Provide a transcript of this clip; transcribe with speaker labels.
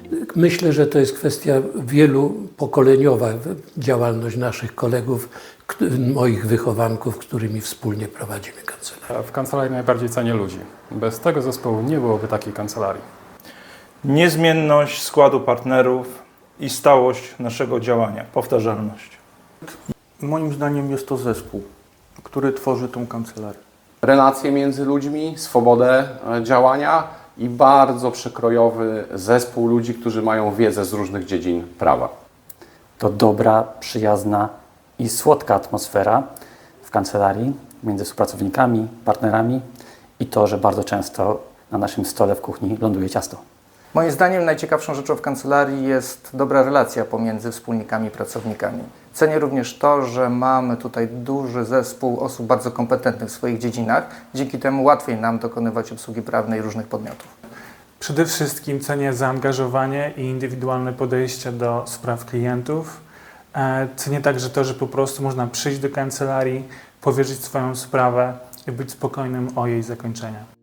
Speaker 1: Myślę, że to jest kwestia wielopokoleniowa, działalność naszych kolegów, moich wychowanków, którymi wspólnie prowadzimy kancelarię.
Speaker 2: W kancelarii najbardziej cenię ludzi. Bez tego zespołu nie byłoby takiej kancelarii.
Speaker 3: Niezmienność składu partnerów i stałość naszego działania, powtarzalność.
Speaker 4: Moim zdaniem jest to zespół, który tworzy tą kancelarię.
Speaker 5: Relacje między ludźmi, swobodę działania i bardzo przekrojowy zespół ludzi, którzy mają wiedzę z różnych dziedzin prawa.
Speaker 6: To dobra, przyjazna i słodka atmosfera w kancelarii między współpracownikami, partnerami i to, że bardzo często na naszym stole w kuchni ląduje ciasto.
Speaker 7: Moim zdaniem najciekawszą rzeczą w kancelarii jest dobra relacja pomiędzy wspólnikami i pracownikami. Cenię również to, że mamy tutaj duży zespół osób bardzo kompetentnych w swoich dziedzinach. Dzięki temu łatwiej nam dokonywać obsługi prawnej różnych podmiotów.
Speaker 8: Przede wszystkim cenię zaangażowanie i indywidualne podejście do spraw klientów. Cenię także to, że po prostu można przyjść do kancelarii, powierzyć swoją sprawę i być spokojnym o jej zakończenie.